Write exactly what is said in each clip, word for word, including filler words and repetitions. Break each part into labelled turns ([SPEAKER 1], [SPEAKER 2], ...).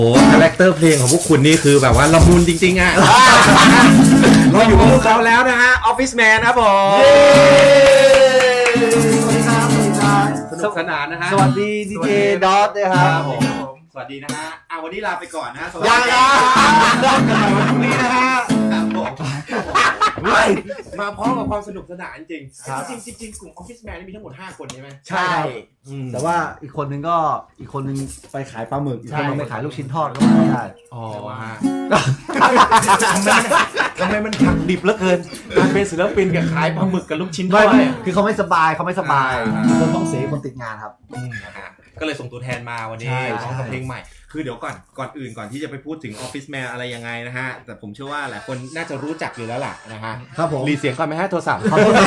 [SPEAKER 1] โอ้คาแรคเตอร์เพลงของพวกคุณนี่คือแบบว่าละมุนจริงๆอ่ะ เราอยู่กับพวกเขาแล้วนะฮะ Office Man ครับผมสนุกสนานนะฮะ
[SPEAKER 2] สวัสดีดีเจดอทนะครับผม
[SPEAKER 1] สวัสดีนะฮะอ่ะวันนี้ลาไปก่อนนะฮะสวัส
[SPEAKER 2] ยั
[SPEAKER 1] ดี
[SPEAKER 2] ง
[SPEAKER 1] ค
[SPEAKER 2] ยั
[SPEAKER 1] รับ
[SPEAKER 2] งกันใหม่วันพรุ่งนี้นะฮะ
[SPEAKER 1] ครับผมมาพร้อมกับความสนุกสนานจริงจริงจริงๆกลุ่ม Office Man นี่มีทั้งหมดห้าคนใช่ไหม
[SPEAKER 2] ใช่แต่ว่าอีกคนนึงก็อีกคนนึงไปขายปลาหมึกอีกคนนึงไปขายลูกชิ้นทอดก็ไม่ได้
[SPEAKER 1] อ๋อฮะทำไมมันหักดิบเหลือเกินการเป็นศิลปินกับขายปลาหมึกกับลูกชิ้นทอ
[SPEAKER 2] ไม่
[SPEAKER 1] ด
[SPEAKER 2] ไม่
[SPEAKER 1] เนี่ย
[SPEAKER 2] คือเขาไม่สบายเขาไม่สบาย
[SPEAKER 1] อ่า
[SPEAKER 2] คนต้องเสียคนติดงานครับ
[SPEAKER 1] นะฮะก็เลยส่งตัวแทนมาวันนี้
[SPEAKER 2] ใช่
[SPEAKER 1] ร้องกับ
[SPEAKER 2] ใช่
[SPEAKER 1] เพลงใหม่ คือเดี๋ยวก่อนก่อนอื่นก่อนที่จะไปพูดถึง Office Man อะไรยังไงนะฮะ แต่ผมเชื่อว่าหลายคนน่าจะรู้จักอยู่แล้วล่ะนะฮะ
[SPEAKER 2] ครับผม
[SPEAKER 1] รีเสียงก่อนไหมฮะโทรศัพท์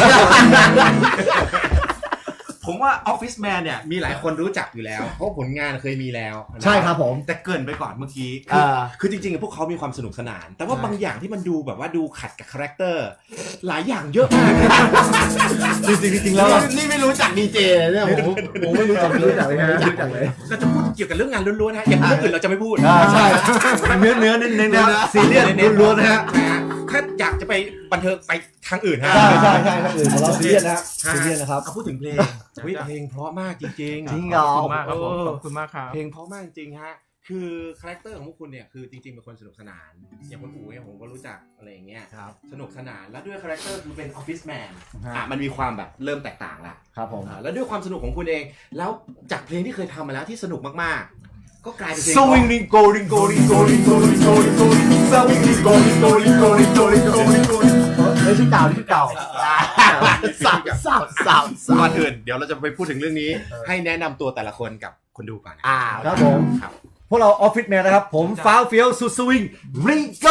[SPEAKER 1] ผมว่า Office Man เนี่ยมีหลายคนรู้จักอยู่แล้ว เพราะผลงานเคยมีแล้วนะ
[SPEAKER 2] ใช่ครับผม
[SPEAKER 1] แต่เกรินไปก่อนเมื่อกี้คือ
[SPEAKER 2] อ่า
[SPEAKER 1] คือจริงๆพวกเขามีความสนุกสนาน แต่ว่า
[SPEAKER 2] ใช่
[SPEAKER 1] บางอย่างที่มันดูแบบว่าดูขัดกับคาแรคเตอร์หลายอย่างเยอะมาก
[SPEAKER 2] จริงจริงๆแล้ว
[SPEAKER 3] นี่ไม่รู้จักดีเจเลยเนี่ยผมผมไม่รู้จัก
[SPEAKER 2] ไม่รู้จักเลยฮะไม่รู้จักเลย
[SPEAKER 1] เราจะพูดเกี่ยวกับเรื่องงานล้วนๆนะฮะอย่างเรื่องอื่นเราจะไม่พูด
[SPEAKER 2] อ่าใช่เนื้อเนื้อเน้นเน้นนะซีเรียสล้วนๆนะฮะ
[SPEAKER 1] นะฮะถ้าอยากจะไปบันเทิงไปทางอื่นฮะ
[SPEAKER 2] ใช่ใช่ใช่ครับอื่นของเราซีเรียสนะฮะซีเรียสนะครับ
[SPEAKER 1] เอาพูดถึงเพลงอุ๊ยเพลงเพราะมากจริงๆ
[SPEAKER 2] จริงเหรอ
[SPEAKER 4] ขอบคุณมากครับผมขอบคุณมากครับ
[SPEAKER 1] เพลงเพราะมากจริงฮะคือคาแรคเตอร์ของพวกคุณเนี่ยคือจริงๆเป็นคนสนุกสนานอย่างคนอู๋เนี่ยผมก็รู้จักอะไรอย่างเงี้ย
[SPEAKER 2] ครับ
[SPEAKER 1] สนุกสนานแล้วด้วยคาแรคเตอร์คือเป็นออฟฟิศแมน
[SPEAKER 2] ฮะ
[SPEAKER 1] อ่ะมันมีความแบบเริ่มแตกต่างละ
[SPEAKER 2] ครับผม
[SPEAKER 1] อ่าแล้วด้วยความสนุกของคุณเอง แล้วจากเพลงที่เคยทำมาแล้วที่สนุกมากๆ ก็กลายเป็นเพลง
[SPEAKER 2] สวิงลิงโกลิงโกลิงโกลิงโกลิงโกลิงโกลิงสวิงลิงโกลิงโกลิงโกลิงโกลิงโกลิงโกลิงเฮ้ยชื่อเก่าชื่อเก่า
[SPEAKER 1] สับ
[SPEAKER 2] สับสับ
[SPEAKER 1] ก่อนอื่นเดี๋ยวเราจะไปพูดถึงเรื่องนี้ ให้แนะนำตัวแต่ละคนกับคนดูก่อนนะ
[SPEAKER 2] อ่าครับผม
[SPEAKER 1] ครับ
[SPEAKER 2] พวกเราออฟฟิศแมนนะครับ ผมฟ้าวเฟี้ยวสุดสวิงริงโก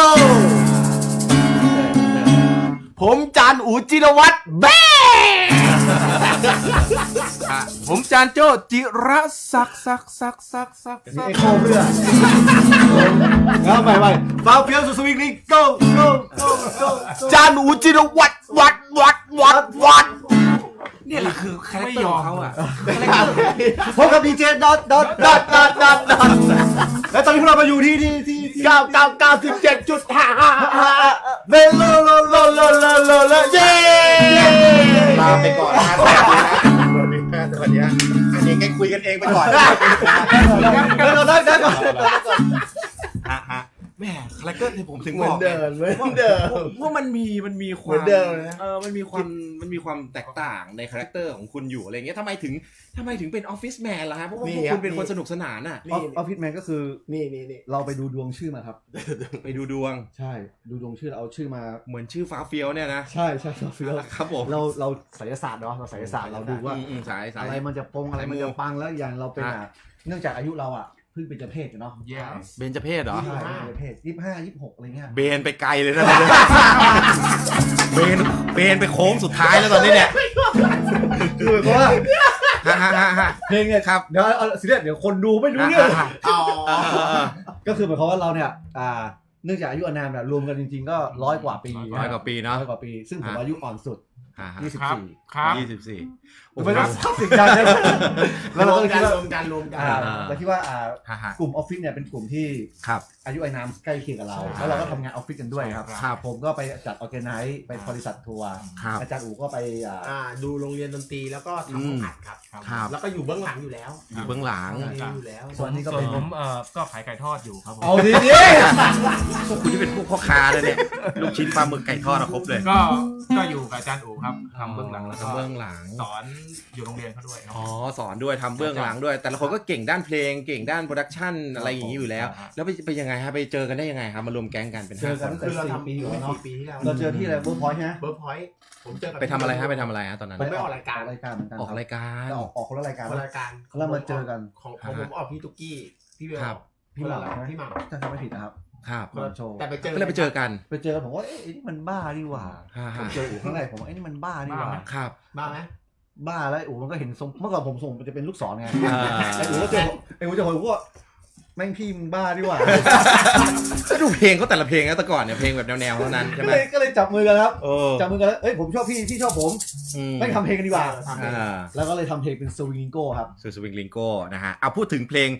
[SPEAKER 3] ผมจานอูจิรวัตรแบ๊
[SPEAKER 4] ผมจานโจ้จิระซักซักซักซักซัก
[SPEAKER 2] มีไอโคเพื่อแล้วใหม่ใหม่ฟ้าวเฟี้ยวสุดสวิงริงโกโกโกโก
[SPEAKER 3] จานอูจิรวัตรวัดวัดวัดวัด
[SPEAKER 1] เนี่ยแหละคือคาแรคเตอร์ของเขาอ่ะ
[SPEAKER 2] พบกับดีเจดอทดอทดอทดอทดอทดอทและตอนนี้พวกเรามาอยู่ที่ที่ที่ที่
[SPEAKER 3] เก้าเก้าเก้าสิบเจ็ดจุดห้าห้าห้า
[SPEAKER 2] เบลโลโลโลโลโลโลโลเย้
[SPEAKER 1] ลาไปก่อนนะสวัสดีนะสวัสดีนะอันนี้งั้นคุยกันเองไปก่อน
[SPEAKER 2] ได้ก่อนได้ได้ก่อน
[SPEAKER 1] ฮะฮะแม่คาแรคเตอร์ที่ผมถึง
[SPEAKER 3] เห
[SPEAKER 1] บ
[SPEAKER 3] มือ
[SPEAKER 1] อน ก
[SPEAKER 3] เดิมเหมือนเดิม
[SPEAKER 1] ว่ามันมีมันมีควา
[SPEAKER 3] เหมื
[SPEAKER 1] ม
[SPEAKER 3] อนเดิมนะ
[SPEAKER 1] เออมันมีความมันมีความแตกต่างในคาแรคเตอร์ของคุณอยู่อะไรเงี้ยทำไมถึงทำไมถึงเป็นออฟฟิศแมนล่ะฮะเพราะว่าพวกคุณเป็นคนสนุกสนานอ่ะ
[SPEAKER 2] ออฟฟิศแมนก็คือ
[SPEAKER 3] นี่นี่นี่
[SPEAKER 2] เราไปดูดวงชื่อมาครับ
[SPEAKER 1] ไปดูดวง
[SPEAKER 2] ใช่ดูดวงชื่อเราเอาชื่อมา
[SPEAKER 1] เหมือนชื่อฟ้าเฟียวเนี่ยนะ
[SPEAKER 2] ใช่ใช่เราฟิล
[SPEAKER 1] ครับผม
[SPEAKER 2] เราเราไสยศาสตร์เนาะเราไสยศาสตร์เราดูว่า
[SPEAKER 1] อืมอืมสายสาย
[SPEAKER 2] อะไรมันจะปงอะไรมันจะปังแล้วอย่างเราเป็น
[SPEAKER 1] ฮะ
[SPEAKER 2] อ่ะเนื่องจากอายุเราอ่ะเพิ่งเป็นเจเพศอยู่เนาะ
[SPEAKER 4] yes
[SPEAKER 1] เบนจเพศเหรอ
[SPEAKER 2] ใช่เป็นเจเพศยี่สิบห้ายี่สิบหกอะไรเงี้ย
[SPEAKER 1] เบนไปไกลเลยนะ เบนเบนไปโค้งสุดท้ายแล้วตอนนี้เนี่ย
[SPEAKER 2] คือเพราะว่า
[SPEAKER 1] ฮะฮะฮะฮะ
[SPEAKER 2] เพลงเนี่ย
[SPEAKER 1] ครับ
[SPEAKER 2] เดี๋ยวเอาซีเรียสเดี๋ยวคนดูไม่รู้เรื่อง
[SPEAKER 3] อ๋อ
[SPEAKER 1] เออเออเออ
[SPEAKER 2] ก็คือหมายความว่าเราเนี่ยอ่าเนื่องจากอายุอานามเนี่ยรวมกันจริงๆก็ร้อยกว่าปี
[SPEAKER 1] ร้อยกว่าปีเนาะ
[SPEAKER 2] ร้อยกว่าปี ซึ่งผม
[SPEAKER 1] ฮะ
[SPEAKER 2] อายุอ่อนสุด
[SPEAKER 1] อ่าฮะ
[SPEAKER 2] ยี่สิบ
[SPEAKER 4] ครับ
[SPEAKER 2] สี่
[SPEAKER 4] ครับ
[SPEAKER 1] ยี่สิบสี่โอ้
[SPEAKER 2] ไม่
[SPEAKER 1] โห
[SPEAKER 2] ต้องทำสิ่งใดนะแล้ว
[SPEAKER 3] ร
[SPEAKER 2] เรา
[SPEAKER 3] ว
[SPEAKER 2] ก็
[SPEAKER 3] ม
[SPEAKER 2] เลย
[SPEAKER 3] กั
[SPEAKER 2] คิ
[SPEAKER 3] น
[SPEAKER 2] ดว่าร
[SPEAKER 3] วมกันรวมกัน
[SPEAKER 2] อ่าเราคิดว่าอ่า
[SPEAKER 1] ฮะฮะ
[SPEAKER 2] กลุ่มออฟฟิศเนี่ยเป็นกลุ่มที่
[SPEAKER 1] ครับ
[SPEAKER 2] อายุอานามใกล้เคียงกับเรา แล้วเราก็ทำงานออฟฟิศกันด้วยครับ
[SPEAKER 1] ครับ
[SPEAKER 2] ผมก็ไปจัดออแกไนซ์ไปบริษัททัวร์
[SPEAKER 1] ครับ
[SPEAKER 2] อาจารย์อู๋ก็ไปอ่า
[SPEAKER 3] อ่าดูโรงเรียนดนตรีแล้วก็ทำห้องอัดครับ
[SPEAKER 1] ครับ
[SPEAKER 3] แล้วก็อยู่เบื้องหลังอยู่แล้ว
[SPEAKER 1] อยู่เบื้องหลัง
[SPEAKER 3] มีอยู่แล้ว
[SPEAKER 2] ส่วนนี้ก็
[SPEAKER 4] ส่วน
[SPEAKER 2] เป็น
[SPEAKER 4] ผมเอ่อก็ขายไก่ทอดอยู่ครับผม
[SPEAKER 2] เอาดีดี
[SPEAKER 1] พวกคุณที่เป็นพวกพ่อค้าเลยเนี่ย ลูกชิ้นปลาหมึกไก่ทอดอะครบเลย
[SPEAKER 4] ก็ก็อยู่กับอาจารย์อู๋ครับทำเบื้องหลังแล้วก็
[SPEAKER 1] ทำเบื้องหลัง
[SPEAKER 4] สอนอยู่โรงเรียนเขาด้วยครับ
[SPEAKER 1] อ๋อสอนด้วยทำเบื้องหลังด้วย แต่ละคนก็เก่งด้านเพลงเก่งด้านโปรดักชันอะไรอย่างนี้อยู่แล้ว
[SPEAKER 4] ครับ
[SPEAKER 1] แล้วไปไปยังไงฮะไปเจอกันได้ยังไงครับมารวมแก๊งกันเป็น
[SPEAKER 2] เจ
[SPEAKER 1] ห้า
[SPEAKER 2] อ
[SPEAKER 1] ค
[SPEAKER 2] กัน
[SPEAKER 1] น
[SPEAKER 2] ตั้งแต่
[SPEAKER 3] คือเรา
[SPEAKER 2] สี่
[SPEAKER 3] ทำ
[SPEAKER 2] ปีอยู่แล้ว
[SPEAKER 3] สี่
[SPEAKER 2] เนาะ
[SPEAKER 3] ปีที่แล้ว
[SPEAKER 2] เราเจอที่อะไรเวิร์กพอยต์ใช่ไหม
[SPEAKER 3] เบิร์กพอยต์ผมเจอกับ
[SPEAKER 1] ไปทำอะไรฮะไปทำอะไรฮะตอนนั้น
[SPEAKER 3] ผมไปออกรายการ
[SPEAKER 2] รายการเหมือนกัน
[SPEAKER 1] ออกรายการ
[SPEAKER 2] ออกออกคนละรายการ
[SPEAKER 3] คนรายการ
[SPEAKER 2] แล้วมาเจอกัน
[SPEAKER 3] ของของผมออกพี่ตุ๊กกี้พี่เบล
[SPEAKER 1] ครับ
[SPEAKER 2] พี่หม่ำ
[SPEAKER 3] คนละ
[SPEAKER 2] นะ
[SPEAKER 3] พี่หม่
[SPEAKER 2] ถ้าจำไม่ผิดนะครับ
[SPEAKER 1] ครับ
[SPEAKER 2] คนละโชว์
[SPEAKER 3] แต่ไปเจอ
[SPEAKER 1] ก็เลยไปเจอกัน
[SPEAKER 2] ไปเจอกันผมว่าเอ๊ะไอ้นี่มันบ้านี่หว่า
[SPEAKER 1] ฮ่า
[SPEAKER 2] ผ
[SPEAKER 1] ฮ่าม
[SPEAKER 2] เจออู๋ครั้งแรกผมว่าไอ้นี่มันบ้านี่หว่า
[SPEAKER 4] บ้าไหม
[SPEAKER 1] ครับ
[SPEAKER 3] บ้าไหม
[SPEAKER 2] บ้าแล้วไอ้อู๋มันก็เห็นทรงเมื่อก่อนผมส่งมันจะเป็นลูกศรไง
[SPEAKER 1] อ่า
[SPEAKER 2] ไอ้อู๋ก็เจอไอ้อู๋จะผมว่าแม่งพี่มึงบ้านี่หว่า
[SPEAKER 1] ก็ดูเพลงเขาแต่ละเพลงนะแต่ก่อนเนี่ยเพลงแบบแนวๆเท่านั้นใช่
[SPEAKER 2] ก็
[SPEAKER 1] ไหม
[SPEAKER 2] เลยก็เลยจับมือกันครับ
[SPEAKER 1] โอ้
[SPEAKER 2] จับมือกันแล้วเอ้ยผมชอบพี่พี่ชอบผม
[SPEAKER 1] อืม
[SPEAKER 2] ไม่ทำเพลงกันดีกว่า
[SPEAKER 3] ทำเอง
[SPEAKER 1] อ่า
[SPEAKER 2] แล้วก็เลยทำเพลงเป็นสวิงโก้ครับ
[SPEAKER 1] ซูสวิงลิงโก้นะฮะเอาพูดถึงเพลง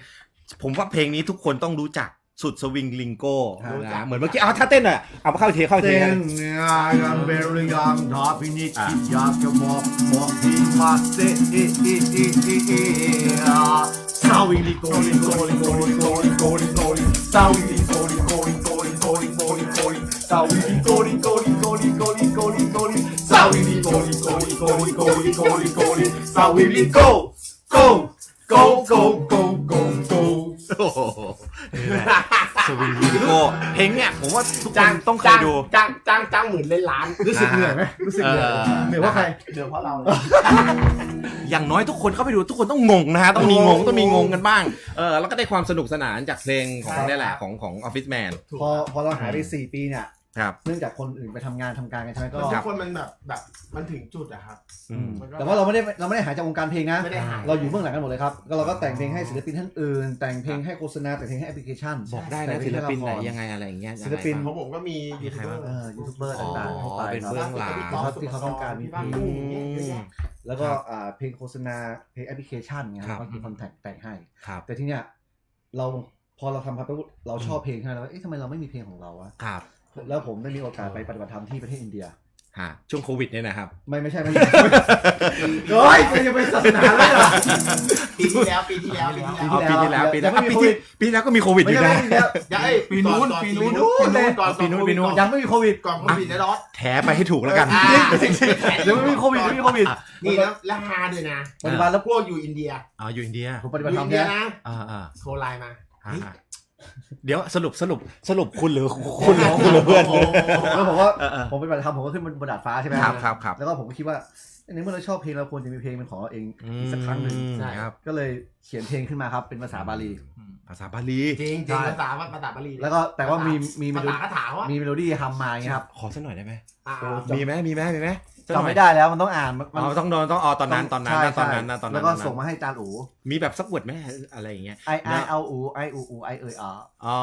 [SPEAKER 1] ผมว่าเพลงนี้ทุกคนต้องรู้จักสุดสวิงลิงโก้
[SPEAKER 2] รู้จัก
[SPEAKER 1] นะเหมือนเมื่อกี้เอาถ้าเต้นหน่อยเอาเข้าเทเข้าเท
[SPEAKER 2] เต้นเนี่ยยังเบลยังทอพินิจคิดอยากจะบอกบอกที่มาเซเอเอเอเอเอซาวิลิโกลิโกลิโกลิโกลิโกลิโกลิซาวิลิโกลิโกลิโกลิโกลิโกลิโกลิซาวิลิโกลิโกลิโกลิโกลิโกลิโกลิซาวิลิโกลิโกลิโกลิโกลิโกลิโกลิซาวิลิโก go go go go go go
[SPEAKER 1] โอ้โหสวิงลิงโก้เพลงเนี่ยผมว่าทุกคนต้องเคยดู
[SPEAKER 5] จ้างจ้างจ้างหมื่นเล่นล้าน
[SPEAKER 2] รู้สึกเหนื่อยไหมรู้สึกเหนื่อย
[SPEAKER 1] เออ
[SPEAKER 2] เหนื่อยว่าใคร
[SPEAKER 5] เดี๋ยวเพราะเรา
[SPEAKER 1] อย่างน้อยทุกคนเข้าไปดูทุกคนต้องงงนะฮะต้องมีงงต้องมีงงกันบ้างเออแล้วก็ได้ความสนุกสนานจากเพลงของนี่แหละของของ Office Man
[SPEAKER 2] พอพอเราหายไปสี่ปีเนี่ย
[SPEAKER 1] ครับ
[SPEAKER 2] เนื่องจากคนอื่นไปทำงานทำการกันใช่ไหมก็
[SPEAKER 5] ทุกคนมันแบบแบบมันถึงจุดอะครับ
[SPEAKER 1] อืม
[SPEAKER 5] มันก็
[SPEAKER 2] แต่ว่าเราไม่ได้เราไม่ได้หายจากวงการเพลงนะ
[SPEAKER 5] ไม่ได้หาย
[SPEAKER 2] เราอยู่เบื้องหลังกันหมดเลยครับก็เราก็แต่งเพลงให้ศิลปินท่านอื่น แต่งเพลงให้โฆษณาแต่งเพลงให้แอปพลิเคชัน
[SPEAKER 1] บอกได้นะศิลปินไหนยังไงอะไรอย่างเงี้ย
[SPEAKER 2] ศิลปิน
[SPEAKER 5] เพราะผมก็มียูทูบเบอร์
[SPEAKER 2] เออยูทูบเบอร์ต่างๆให้ไป
[SPEAKER 1] เป็น
[SPEAKER 2] ครับ
[SPEAKER 1] เบื้องหลัง
[SPEAKER 2] ที่เขาที่เขาต้องการมีเพลง
[SPEAKER 5] อืม
[SPEAKER 2] แล้วก็อ่าเพลงโฆษณาเพลงแอปพลิเคชันเงี้ย
[SPEAKER 1] ครับ
[SPEAKER 2] ก็คือคอนแทคแต่งให้
[SPEAKER 1] ครับ
[SPEAKER 2] แต่ทีเนี้ยเราพอเราทำครับเราชอบเพลงใช่ไหมแล้วเอ๊ะทำไมเราไม่มีเพลงของเราอะ
[SPEAKER 1] ครับ
[SPEAKER 2] แล้วผมได้มีโอกาสไปปฏิบัติธรรมที่ประเทศอินเดีย
[SPEAKER 1] ฮะช่วงโควิดเนี่ยนะครับ
[SPEAKER 2] ไม่ไม่ใช่ไม่ใช่เฮ้ยจะไปศาสนาเลยเหรอ
[SPEAKER 5] ปีที่แล้วปีที่แล้วปีที่แล้ว
[SPEAKER 1] เอาปีที่แล้วปีที่แล้ว
[SPEAKER 2] ยังไม่
[SPEAKER 1] อ่ะ
[SPEAKER 2] มี
[SPEAKER 1] ปี
[SPEAKER 2] โควิ
[SPEAKER 1] ที่
[SPEAKER 2] ด
[SPEAKER 1] ปีที่แล้วก็มีโควิดอ
[SPEAKER 2] ไม่
[SPEAKER 1] ยู่
[SPEAKER 2] ใช่
[SPEAKER 1] นะ
[SPEAKER 2] ไม่ใช่
[SPEAKER 5] ยังไอ้
[SPEAKER 4] ปีนู้น
[SPEAKER 5] ก่อ
[SPEAKER 4] ปีนู้น
[SPEAKER 5] ปีนู้นก่อน
[SPEAKER 1] ปีนู้นปีนู้น
[SPEAKER 2] ยังไม่มีโควิด
[SPEAKER 5] ก่อนโควิดนะดอส
[SPEAKER 1] แถไปให้ถูกแล้วกัน
[SPEAKER 5] อ่า
[SPEAKER 2] เดี๋ยวไม่มีโควิดไม่มีโควิด
[SPEAKER 5] นี่แล้วแล้วฮาด้วยนะ
[SPEAKER 2] ปฏิบัติแล้ว
[SPEAKER 5] พวกอยู่อินเดีย
[SPEAKER 1] อ๋ออยู่อินเดีย
[SPEAKER 2] ผมป
[SPEAKER 5] อ
[SPEAKER 2] ฏิบัติ
[SPEAKER 5] ยู่
[SPEAKER 2] ธรร
[SPEAKER 5] อิ
[SPEAKER 2] ม
[SPEAKER 5] นเดีย
[SPEAKER 2] เนี่ย
[SPEAKER 5] นะ
[SPEAKER 1] อ่าอ่า
[SPEAKER 5] โทรไลน์มา
[SPEAKER 1] ฮะเดี๋ยวสรุปสรุปสรุปคุณหรือคุณหรือคุณหรือเพื่อน
[SPEAKER 2] แล้วผมว่า
[SPEAKER 1] เออเออ
[SPEAKER 2] ผมปฏิบัติธรรมผมก็ขึ้นบนดาดฟ้าใช่ไหม
[SPEAKER 1] ครับครับครับ
[SPEAKER 2] แล้วก็ผมก็คิดว่าในเมื่อเราชอบเพลงเราควรจะมีเพลงเป็นของเราเองอีกสักครั้งหนึ่ง
[SPEAKER 1] ใช่ครับ
[SPEAKER 2] ก็เลยเขียนเพลงขึ้นมาครับเป็นภาษาบาลี
[SPEAKER 1] ภาษาบาลี
[SPEAKER 5] จริงจริงภาษาภาษาบาลี
[SPEAKER 2] แล้วก็แต่ว่ามีมีเม
[SPEAKER 5] ภา
[SPEAKER 2] โล
[SPEAKER 5] ษาคาถาว่า
[SPEAKER 2] มีเมโลดี้ทำมาอย่างเงี้ยครับ
[SPEAKER 1] ขอสักหน่อยได้ไหม
[SPEAKER 5] อ่า
[SPEAKER 1] มีไหมมีไหมมีไหม
[SPEAKER 2] จำไม่ได้แล้วมันต้องอ่านมัน
[SPEAKER 1] อ๋อต้องโดนต้องอ๋อตอนนั้นตอนนั้น
[SPEAKER 2] ใช่
[SPEAKER 1] นะตอนนั้น
[SPEAKER 2] ใช่
[SPEAKER 1] นะตอนนั้น
[SPEAKER 2] แล้วก็
[SPEAKER 1] ตอนนั้น
[SPEAKER 2] ส่งมาให้จานอู
[SPEAKER 1] มีแบบสักวดไหมอะไรอย่างเงี้ย
[SPEAKER 2] ไอไอเอาอูไออูอูไอเอยอ๋อ
[SPEAKER 1] อ๋อง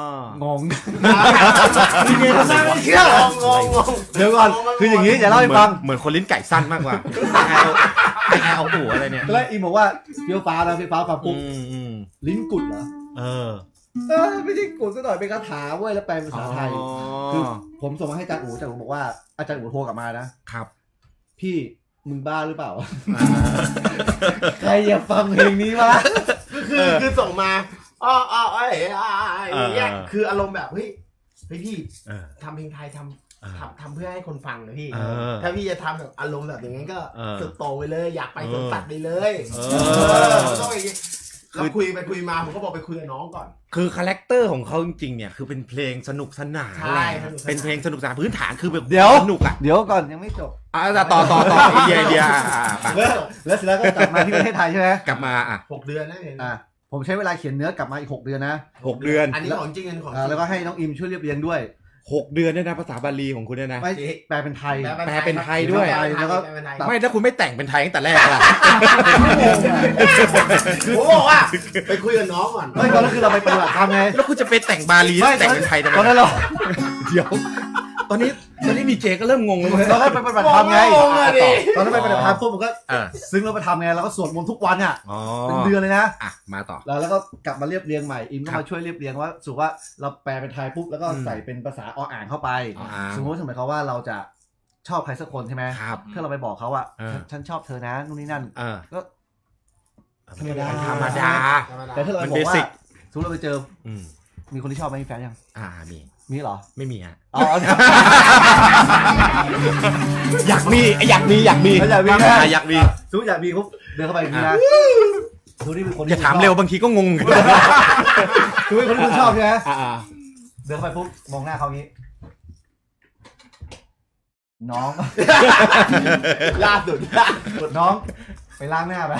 [SPEAKER 2] งนี่ไงทำหน้าไม่เชื่อง
[SPEAKER 5] งงงง
[SPEAKER 2] เดี๋ยวก่อนคืออย่างนี้จะเล่าให้ฟัง
[SPEAKER 1] เหมือนคนลิ้นไก่สั้นมากกว่าไอแอลอูอะไรเนี่ย
[SPEAKER 2] แล้วอีบอกว่าเฟี้ยวฟ้านะเฟี้ยวฟ้าฟังปุ๊บ
[SPEAKER 1] อืมอืม
[SPEAKER 2] ลิ้นกุดเหรอ
[SPEAKER 1] เออ
[SPEAKER 2] เออไม่ใช่กุดซะหน่อยเป็นคาถาเว้ยแล้วแปลเป็นภาษาไทย
[SPEAKER 1] อ๋อ
[SPEAKER 2] คือผมส่งมาให้อาจารย์อูอาจารย์อูบอกว่าอาจารย์อูโทรกลับมานะครับ พี่มึงบ้าหรือเปล่า ใครอยากฟังเพลงนี้วะ
[SPEAKER 5] คือคือส่งมาอ๋ออ๋อไอ้ไอ้อย่างเงี้ยคืออารมณ์แบบเฮ้ยเฮ้ยพี่
[SPEAKER 1] เออ
[SPEAKER 5] ทำเพลงไทยท
[SPEAKER 1] เออ
[SPEAKER 5] ำทำทำเพื่อให้คนฟังนะพี่
[SPEAKER 1] เออ
[SPEAKER 5] ถ้าพี่จะทำแบบอารมณ์แบบอย่างนั้นก็
[SPEAKER 1] เออ
[SPEAKER 5] สุดโต่งไปเลยอยากไป
[SPEAKER 1] เออ
[SPEAKER 5] สวนสัตว์ไปเลย
[SPEAKER 1] เอ
[SPEAKER 5] เอ
[SPEAKER 1] อ
[SPEAKER 5] อต้องอย่างงี้แล้วคุยไปคุยมาผมก็บอกไปคุยกับน้องก่อน
[SPEAKER 1] คือคาแรคเตอร์ของเขาจริงๆเนี่ยคือเป็นเพลงสนุกสนาน
[SPEAKER 5] ใช่
[SPEAKER 1] แหละ
[SPEAKER 5] สนุกสนาน
[SPEAKER 1] เป็นเพลงสนุกสนานพื้นฐานคือแบบ
[SPEAKER 2] เดี๋ยว
[SPEAKER 1] สนุกอ่ะ
[SPEAKER 2] เดี๋ยวก่อนยังไม่จบ
[SPEAKER 1] อ่ะต่อต่อต่อไอเดียไอเดียอ่ะอ่ะอ่ะ
[SPEAKER 2] แล้วแล้วเสร็จแล้วก็กลับมาที่ประเทศไทยใช่ไหม
[SPEAKER 1] กลับมาอ่ะ
[SPEAKER 5] หกเดือนนะเห็น
[SPEAKER 2] อ่าผมใช้เวลาเขียนเนื้อกลับมาอีกหกเดือนนะ
[SPEAKER 1] หกเดือน
[SPEAKER 5] อันนี้ของจริงอันนี้ของจ
[SPEAKER 2] อ่า
[SPEAKER 5] ริง
[SPEAKER 2] แล้วก็ให้น้องอิมช่วยเรียบเรียงด้วย
[SPEAKER 1] หกเดือนเนี่ยนะภาษาบาลีของคุณเนี่ยนะ
[SPEAKER 2] ไม่แปลเป็นไทย
[SPEAKER 1] แปลเป็นไทยด้วย
[SPEAKER 5] แปลเป็นไท
[SPEAKER 2] แล้วก็
[SPEAKER 5] แปลเป็นไทย
[SPEAKER 1] ไม่ถ้าคุณไม่แต่งเป็นไทยตั้งแต่แรกล่ะ
[SPEAKER 5] ผมบอกว่าไปคุยกับน้องก่อน
[SPEAKER 2] ไม่ตอนนั้นคือเราไปปฏิบัติธรรมไง
[SPEAKER 1] แล้วคุณจะไปแต่งบาลี
[SPEAKER 2] ไม่
[SPEAKER 1] แต่งเป็นไทยทำไม
[SPEAKER 2] ตอนนั้นเรา
[SPEAKER 1] เดี๋ยว ตอนนี้ตอนนี้มีเจก็เริ่มงงแล้ว
[SPEAKER 2] ตอนนั้นไปปฏิบัติธรรมไง
[SPEAKER 5] งงอะดิ
[SPEAKER 2] ตอนนั้นไปปฏิบัติธรรมปุ๊บผมก็
[SPEAKER 1] เออ
[SPEAKER 2] ซึ้งแล้วไปทำไงเราก็สวดมนต์ทุกวันอ่ะ
[SPEAKER 1] อ๋อ
[SPEAKER 2] เป็นเดือนเลยนะ
[SPEAKER 1] อ่ะมาต่อ
[SPEAKER 2] แล้วแล้วก็กลับมาเรียบเรียงใหม่อิมก็
[SPEAKER 1] ครับ
[SPEAKER 2] มาช่วยเรียบเรียงว่าสุว่าเราแปลเป็นไทยปุ๊บแล้วก็
[SPEAKER 1] อืม
[SPEAKER 2] ใส่เป็นภาษาออ่างเข้าไป
[SPEAKER 1] ออ่าง
[SPEAKER 2] สมมติหมายความว่าเราจะชอบใครสักคนใช่ไหม
[SPEAKER 1] ครับ
[SPEAKER 2] ถ้าเราไปบอกเขาว่า
[SPEAKER 1] เออ
[SPEAKER 2] ฉันฉันชอบเธอนะนู่นนี่นั่น
[SPEAKER 1] เออ
[SPEAKER 2] ก็ ธรรมดา
[SPEAKER 1] ธรรมดา
[SPEAKER 2] แต่ถ้าเรา
[SPEAKER 1] มัน
[SPEAKER 2] บอกว่า
[SPEAKER 1] basic
[SPEAKER 2] สมมติเราไปเจอ
[SPEAKER 1] อืม
[SPEAKER 2] มีคนที่ชอบไหมมีแฟนยัง
[SPEAKER 1] อ่ามี
[SPEAKER 2] มีเหรอ
[SPEAKER 1] ไม่มีฮะ
[SPEAKER 2] อ๋อ
[SPEAKER 1] อยากมีอยากมีอยากมี
[SPEAKER 2] อยากมี
[SPEAKER 1] อ่ะอยากมี
[SPEAKER 2] สมมติอยากมีปุ๊บเดินเข้าไปอย่างนี้นะสมมตินี่เป็นคน
[SPEAKER 1] อย่าถามเร็วบางทีก็งง
[SPEAKER 2] สมมติคนที่คุณชอบใช่ไหม
[SPEAKER 1] อ่า
[SPEAKER 2] เดินเข้าไปปุ๊บมองหน้าเขาอย่างนี้ น้อง
[SPEAKER 5] ล่าสุดล่าสุด
[SPEAKER 2] กดน้องไปล้างหน้าไป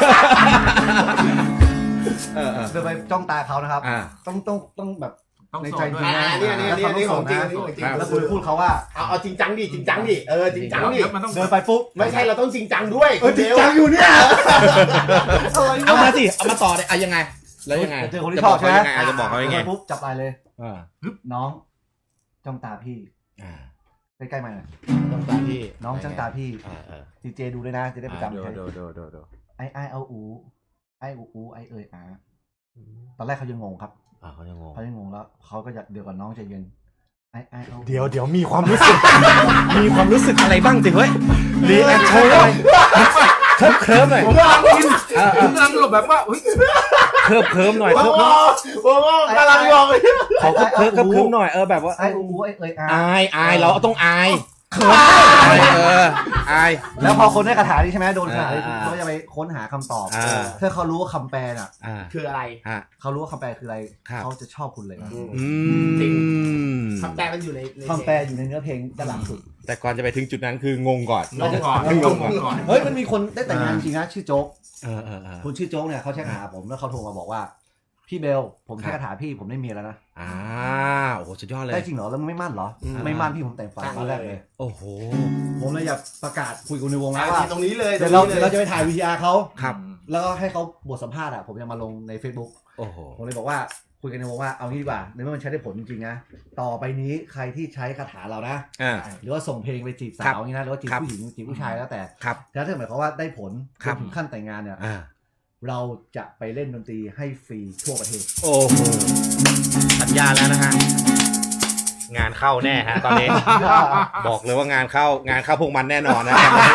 [SPEAKER 1] เออเออ
[SPEAKER 2] เดินไปจ้องตาเขานะครับ
[SPEAKER 1] อ่า
[SPEAKER 2] ต้องต้องต้องแบบ
[SPEAKER 4] ต้อง
[SPEAKER 2] ใน
[SPEAKER 4] โส
[SPEAKER 2] ใจ
[SPEAKER 4] ด
[SPEAKER 2] จ
[SPEAKER 4] ด้ว
[SPEAKER 2] ริ
[SPEAKER 4] ย
[SPEAKER 2] ง
[SPEAKER 5] อ่า
[SPEAKER 2] นะ
[SPEAKER 5] เนี่ยเนี่ยเนี่ยนี่ของจริงนี่ของจริง
[SPEAKER 1] ครับ
[SPEAKER 2] แล้วคุณพูดเขาว่า
[SPEAKER 5] เอาเอาจริงจังดิจริงจังดิเออจริงจังดิ
[SPEAKER 4] มันต้อง
[SPEAKER 2] เดินไปปุ๊บ
[SPEAKER 5] ไม่ใช่เราต้องจริงจังด้วย
[SPEAKER 2] เออจริงจังอยู่เนี่ยอะไร
[SPEAKER 1] เอา
[SPEAKER 2] วะ
[SPEAKER 1] มาสิเอามาต่อเลยอ่ะยังไงแล้วยังไง
[SPEAKER 2] เจอคนที่ชอบใช่ไหม
[SPEAKER 1] จะบอกเขายังไงอ่ะจะบอกเขายังไง
[SPEAKER 2] เดินไปปุ๊บจับไหล่เลย
[SPEAKER 1] อ่า
[SPEAKER 2] น้องจ้องตาพี่
[SPEAKER 1] อ่า
[SPEAKER 2] ใกล้ๆมาหน่อย
[SPEAKER 1] ต้องตาพี่
[SPEAKER 2] น้องจ้องตาพี่
[SPEAKER 1] อ่าเออ
[SPEAKER 2] ดีเจดูด้วยนะจะได้ประจำ
[SPEAKER 1] ดู
[SPEAKER 2] ใช้
[SPEAKER 1] ดูดูดูดู
[SPEAKER 2] ไอไอเอาอูไออูอูไอเอ่ยอาตอนแรกเขายังงงครับ
[SPEAKER 1] อ่าเขายังงง
[SPEAKER 2] เขายังงงแล้วเขาก็จะเดี๋ยวก่อนน้องใจเย็นไอ้ไอ้อา
[SPEAKER 1] เดี๋ยวเดี๋ยวมีความรู้สึก มีความรู้สึกอะไรบ้างสิเฮ้ยรีแอคชั่นเลยเคิร์ฟเคิร์ฟหน่อย
[SPEAKER 4] ผมกำลังกินผมกำลังหลบแบบว่าเฮ้ย
[SPEAKER 1] เคิร์ฟเคิร์ฟหน่อย
[SPEAKER 5] โอ้
[SPEAKER 1] เคิร์ฟ
[SPEAKER 5] โหโอ้โหกำลังมองเลย
[SPEAKER 1] เขาเคิร์ฟเคิร์ฟเคิร์ฟเคิร์ฟหน่อยเออแบบว่า
[SPEAKER 2] ไอ้อูไอ้เอ้ยอา
[SPEAKER 1] อายอายเราต้องอายเคิร์ฟอายเอออาย
[SPEAKER 2] แล้วพอคนได้คาถานี้ใช่ไหมโดนคาถานี้
[SPEAKER 1] อ่า
[SPEAKER 2] เขาจะไปค้นหาคำตอบ
[SPEAKER 1] อ่า
[SPEAKER 2] ถ้าเขารู้ว่าคำแปลน่ะ
[SPEAKER 1] อ่า
[SPEAKER 5] คืออะไร
[SPEAKER 1] ฮะ
[SPEAKER 2] เขารู้ว่าคำแปลคืออะไร
[SPEAKER 1] ครับ
[SPEAKER 2] เขาจะชอบคุณเลย
[SPEAKER 1] อื
[SPEAKER 5] จริง
[SPEAKER 1] ม
[SPEAKER 5] คำแปลมันอยู่ในใน
[SPEAKER 2] คำแปลอยู่ในเนื้อเพลงด้านหลังสุด
[SPEAKER 1] แต่ก่อนจะไปถึงจุดนั้นคืองงก่อน
[SPEAKER 4] งงก่อน
[SPEAKER 1] งงก่อน
[SPEAKER 4] ก่อน
[SPEAKER 2] เฮ้ยมันมีคนได้แต่งงานจริงนะชื่อโจ๊ก
[SPEAKER 1] เออเออเออ
[SPEAKER 2] คุณชื่อโจ๊กเนี่ยเขาแชทหาผมแล้วเขาโทรมาบอกว่าพี่เบลผมแค่คาถาพี่ผมได้เมียแล้วนะ
[SPEAKER 1] อ่าโอ้โหสุดยอดเลย
[SPEAKER 2] ได้จริงเหรอแล้วมึงไม่มั่นเหรอไม่มั่นพี่ผมแต่งฝันตอนแรกเลย
[SPEAKER 1] โอ้โห
[SPEAKER 2] ผมเลยอยากประกาศคุยกันในวง
[SPEAKER 5] อ่า
[SPEAKER 2] แล้วว่า
[SPEAKER 5] ตรงนี้เลย
[SPEAKER 2] เดี๋ยวเรา
[SPEAKER 5] ตง
[SPEAKER 2] เดี๋
[SPEAKER 5] นี้
[SPEAKER 2] ยว
[SPEAKER 5] ล
[SPEAKER 2] เราจะไปถ่ายวีทีอาร์เขา
[SPEAKER 1] ครับ
[SPEAKER 2] แล้วก็ให้เขาบทสัมภาษณ์อ่ะผมจะมาลงใน Facebook
[SPEAKER 1] โอ้โห
[SPEAKER 2] ผมเลยบอกว่าคุยกันในวงว่าเอางี้ดีกว่าในเมื่อมันใช้ได้ผลจริงๆนะต่อไปนี้ใครที่ใช้คาถาเรานะ
[SPEAKER 1] อ่า
[SPEAKER 2] หรือว่าส่งเพลงไปจีบ
[SPEAKER 1] ครั
[SPEAKER 2] สา
[SPEAKER 1] บ
[SPEAKER 2] วอย่างนี้นะหรือว่าจีบ
[SPEAKER 1] ครับ
[SPEAKER 2] ผู้หญิงจีบผู้ชายแล้วแต่
[SPEAKER 1] ครับ
[SPEAKER 2] แล้วถ้าหมายความว่าได้ผล
[SPEAKER 1] ค
[SPEAKER 2] จ
[SPEAKER 1] รับ
[SPEAKER 2] นถึงขั้นแต่งงานเนี่ย
[SPEAKER 1] อ่า
[SPEAKER 2] เราจะไปเล่นดนตรีให้ฟรีทั่วประเทศ
[SPEAKER 1] โอ้โหสัญญาแล้วนะฮะงานเข้าแน่ฮะตอนนี้ บอกเลยว่างานเข้างานเข้าพวกมันแน่นอนนะ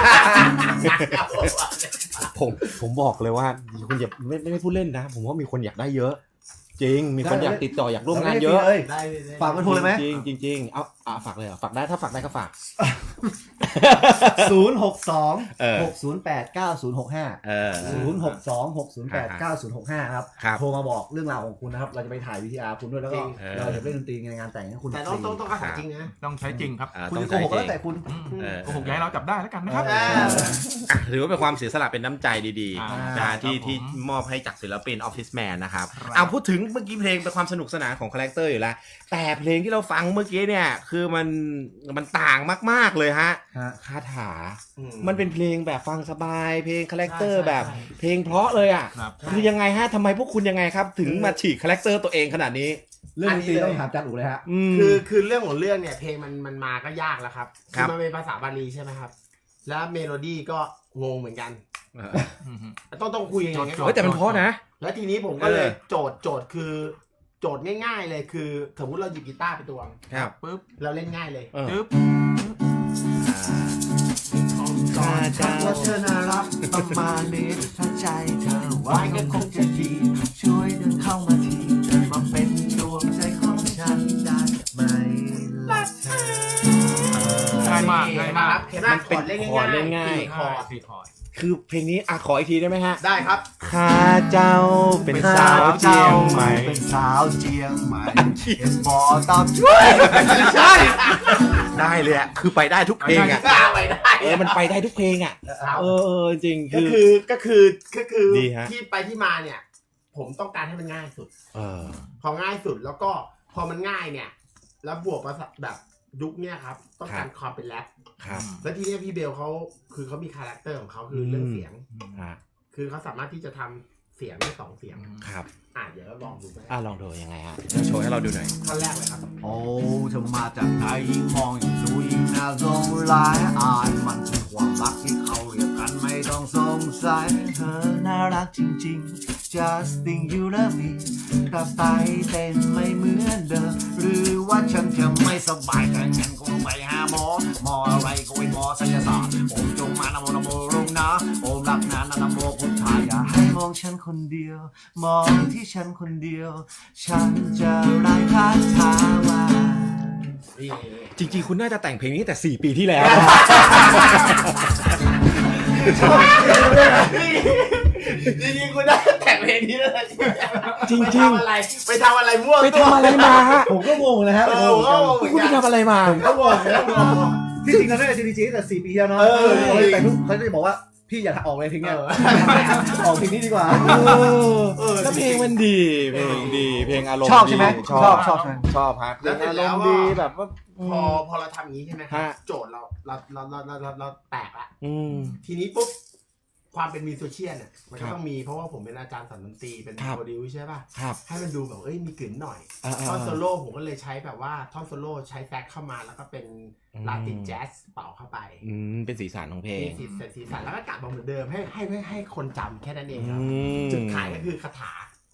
[SPEAKER 1] ผมผมบอกเลยว่าคุณอย่าไม่ไม่ได้พูดเล่นนะ ผมว่ามีคนอยากได้เยอะ จริง มีคนอยากติดต่ออยากร่วมงานเยอะ
[SPEAKER 2] ได้
[SPEAKER 5] ได้เลยได้
[SPEAKER 2] ฝากเบอร์โทรเลยไหม
[SPEAKER 1] จริงจริงจริงเอาอ่ะฝากเลยเหรอฝากได้ถ้าฝากได้ก็ฝาก
[SPEAKER 2] ศูนย์หกสอง
[SPEAKER 1] เออ
[SPEAKER 2] หกศูนย์แปดเก้าศูนย์หกห้า
[SPEAKER 1] เออ
[SPEAKER 2] ศูนย์หกสองหกศูนย์แปดเก้าศูนย์หกห้าครับ
[SPEAKER 1] ครับ
[SPEAKER 2] โทรมาบอกเรื่องราวของคุณนะครับ เราจะไปถ่ายวีทีอาร์คุณด้วยแล้วก็
[SPEAKER 1] เออ
[SPEAKER 2] เราจะเล่นดนตรีในงานแต่งให้คุณ
[SPEAKER 5] แต่ต้องต้องต้องคาถาจริงนะ
[SPEAKER 4] ต้องใช้จริงครับ
[SPEAKER 1] อ่า
[SPEAKER 2] คุณ
[SPEAKER 1] ต้อง
[SPEAKER 2] จะโก
[SPEAKER 1] ใจ
[SPEAKER 2] หกก็
[SPEAKER 1] จริ
[SPEAKER 2] แล้ว
[SPEAKER 1] ง
[SPEAKER 2] แต่คุณ
[SPEAKER 4] อืม
[SPEAKER 1] เออ
[SPEAKER 4] โกหกอย้ายเราจับได้แล้วกันนะครับ
[SPEAKER 2] เออ
[SPEAKER 1] อ่ะถือว่าเป็นความเสียสละเป็นน้ำใจดี
[SPEAKER 4] อ่า
[SPEAKER 1] ๆนะฮะที่
[SPEAKER 4] ครับผม
[SPEAKER 1] ที่มอบให้จากศิลปินออฟฟิศแมนนะครับ
[SPEAKER 4] ครับ
[SPEAKER 1] เอาพูดถึงเมื่อกี้เพลงเป็นความสนุกสนานของคาแรคเตอร์อยู่แล้ว แต่เพลงที่เราฟังเมื่อกี้เนี่ยคือมันมันต่างมากๆเลยฮะ
[SPEAKER 2] ฮะ
[SPEAKER 1] คาถา
[SPEAKER 5] อื
[SPEAKER 1] มันเป็นเพลงแบบฟังสบายเพลงคาแรคเตอร์
[SPEAKER 5] ใช่ใช่
[SPEAKER 1] แบบ
[SPEAKER 5] ใช่
[SPEAKER 1] เพลงเพราะเลยอ่ะ
[SPEAKER 4] ครับ
[SPEAKER 1] คือยังไงฮะทำไมพวกคุณยังไงครับ ถึงมาฉีกคาแรคเตอร์ตัวเองขนาดนี้
[SPEAKER 2] เรื่องดนตรีต้องถามจันอูเลยฮะ
[SPEAKER 1] อืม
[SPEAKER 5] คือคือเรื่องของเรื่องเนี่ยเพลงมันมันมาก็ยากแล้วครับ
[SPEAKER 1] ครั
[SPEAKER 5] คือบ มันเป็นภาษาบาลีใช่ไหมครับ แล้วเมโลดี้ก็งงเหมือนกัน
[SPEAKER 1] เออ
[SPEAKER 4] อืมฮึ
[SPEAKER 5] ต้องต้องคุยอย่างเงี้ยก่อ
[SPEAKER 1] เฮ้ย
[SPEAKER 5] น
[SPEAKER 1] แต่มันเพราะนะ
[SPEAKER 5] แล้วทีนี้ผมก็เลย
[SPEAKER 1] เออ
[SPEAKER 5] โจทย์โจทย์คือโจทย์ง่าย ๆ เลยคือสมมติเราหยิบกีตาร์ไปตวง
[SPEAKER 1] ครับ
[SPEAKER 4] ปึ๊บ
[SPEAKER 5] เราเล่นง่ายเลย
[SPEAKER 1] เออ
[SPEAKER 4] จึ๊บ
[SPEAKER 1] ข้าเจ้า
[SPEAKER 2] ว่าเธอน่ารักประมาณนี้ถ้าใจเธอไว้ก็คงจะดี ช่วยเดินเข้ามาทีเธอมาเป็นดวงใจของฉันได้ไหมล่ะเธอ
[SPEAKER 4] ง่ายมากง่ายมาก
[SPEAKER 5] เห็นไหม
[SPEAKER 1] มันเป็น
[SPEAKER 5] คอร์ดเล่น
[SPEAKER 1] คอร์ดเล่
[SPEAKER 5] ง่าย
[SPEAKER 1] นง่าย
[SPEAKER 5] ๆสี่คอร์ด
[SPEAKER 4] สี่คอร์ด
[SPEAKER 1] คือเพลงนี้อ่ะขออีกทีได้ไหมฮะ
[SPEAKER 5] ได้ครับ
[SPEAKER 1] ข้าเจ้าเป็นสาวเจียงใหม่
[SPEAKER 2] เป็นสาวเจียงใหม่เป็นบอตอบช่วย
[SPEAKER 1] ใช่ได้เลยอ่ะคือไปได้ทุกเพลงอ่ะ
[SPEAKER 5] ได้ไปได้
[SPEAKER 1] เออมันไปได้ทุกเพลงอ่ะ
[SPEAKER 5] ครับ
[SPEAKER 1] เออเออจริง
[SPEAKER 5] ก็
[SPEAKER 1] คือ
[SPEAKER 5] คือก็คือก็คือ
[SPEAKER 1] ดีฮะ
[SPEAKER 5] ที่ไปที่มาเนี่ย ผมต้องการให้มันง่ายสุด
[SPEAKER 1] เออ
[SPEAKER 5] พอง่ายสุดแล้วก็พอมันง่ายเนี่ย แล้วบวกภาษาแบบยุคเนี่ยครับ ต้องการความเป็นแรป
[SPEAKER 1] ครับ
[SPEAKER 5] แล้วทีเนี้ยพี่เบลเขาคือเขามีคาแรคเตอร์ของเขาคือเรื่องเสียง
[SPEAKER 1] อ่ะ
[SPEAKER 5] คือเขาสามารถที่จะทำเสียงได้สองเสียง
[SPEAKER 1] ครับ
[SPEAKER 5] อ่ะเดี๋ยวเราลองดูไหม
[SPEAKER 1] อ่ะลองดูยังไงฮะโชว์ให้เราดูหน่อย
[SPEAKER 5] ท่อนแรกเลยครับ
[SPEAKER 2] โอ้เธอมาจากไหนยิ่งมองยิ่งดูยิ่งน่าสงสารอ่านมันคือความรักที่เขาเรียกกันไม่ต้องสงสัยเธอน่ารักจริงๆ just think you love me กลับไปเต้นไม่เหมือนเดิมหรือว่าฉันจะไม่สบายถ้างั้นก็ไปหาหมอหมออะไรก็เป็นหมอศัลยศาสตร์โอมจงมานะโมนะโมรุงนะโอมรักนานนะนะโมพุทธายาให้มองฉันคนเดียว มองที่ฉันคนเดียว ฉันจะไร้คาถาว่า
[SPEAKER 5] นี่
[SPEAKER 1] จริงๆ คุณน่าจะแต่งเพลงนี้แต่สี่ปีที่แล้ว
[SPEAKER 5] จริงๆคุณได้แต่งเพลงนี้แล้วนะ
[SPEAKER 1] จริงๆ
[SPEAKER 5] ไปทำอะไรไปทำอะไรมั่ว
[SPEAKER 1] ไปทำอะไรมาฮะ
[SPEAKER 2] ผมก็งงนะฮะ
[SPEAKER 5] เออผมก็งงเหมือน
[SPEAKER 1] คุณ
[SPEAKER 5] กั
[SPEAKER 1] ไป
[SPEAKER 5] น
[SPEAKER 1] ทำอะไรมา
[SPEAKER 2] ผมก็งงนะที่จริงเราได้จีดีจีตั้งแต่สี่ปีแล้วเนาะ
[SPEAKER 5] เออ
[SPEAKER 2] เขาแต่ทุกเขาจะบอกว่าพี่อย่าออกเลยทิ้งเนี่ยออกเพลงนี้ดีกว่า
[SPEAKER 1] เออแล้วเพลงมันดี เพลงดี เพลงอารมณ์
[SPEAKER 2] ชอบใช่ไหม
[SPEAKER 1] ดี
[SPEAKER 2] ชอบชอบใช่ไหม
[SPEAKER 1] ชอบฮะเพล
[SPEAKER 5] แล้ว
[SPEAKER 1] ง
[SPEAKER 5] เสร็จ
[SPEAKER 1] อาร
[SPEAKER 5] แล้ว
[SPEAKER 1] มณ์
[SPEAKER 5] ก็
[SPEAKER 1] ดีแบบว่า
[SPEAKER 5] พอพอเราทำอย่างนี้ใช่ไหมครับ
[SPEAKER 1] ฮะ
[SPEAKER 5] โจทย์เราเราเราเราเราเราเราแตกละ
[SPEAKER 1] อืม
[SPEAKER 5] ทีนี้ปุ๊บความเป็นมิวสิเชียนเนี่ยมัน
[SPEAKER 1] ครั
[SPEAKER 5] ก็
[SPEAKER 1] บ
[SPEAKER 5] ต้องมีเพราะว่าผมเป็นอาจารย์สอนดนตรีเป็น
[SPEAKER 1] ครับ
[SPEAKER 5] โปรดิวใช่ป่ะ
[SPEAKER 1] ครับ
[SPEAKER 5] ให้มันดูแบบเอ้ยมีกลิ่นหน่อย
[SPEAKER 1] อ่าๆ
[SPEAKER 5] ท่อนโซโล่ผมก็เลยใช้แบบว่าท่อนโซโล่ใช้แซกเข้ามาแล้วก็เป็น
[SPEAKER 1] อืม
[SPEAKER 5] ลาตินแจ๊สเป่าเข้าไป
[SPEAKER 1] อืมเป็นสีสันของเพล
[SPEAKER 5] มี
[SPEAKER 1] ง
[SPEAKER 5] สีสันสีสันแล้วก็กลับมาเหมือนเดิมให้ให้ให้ให้คนจำแค่นั้นเอง
[SPEAKER 1] อื
[SPEAKER 5] ครับ
[SPEAKER 1] ม
[SPEAKER 5] จุดขายก็คือคาถา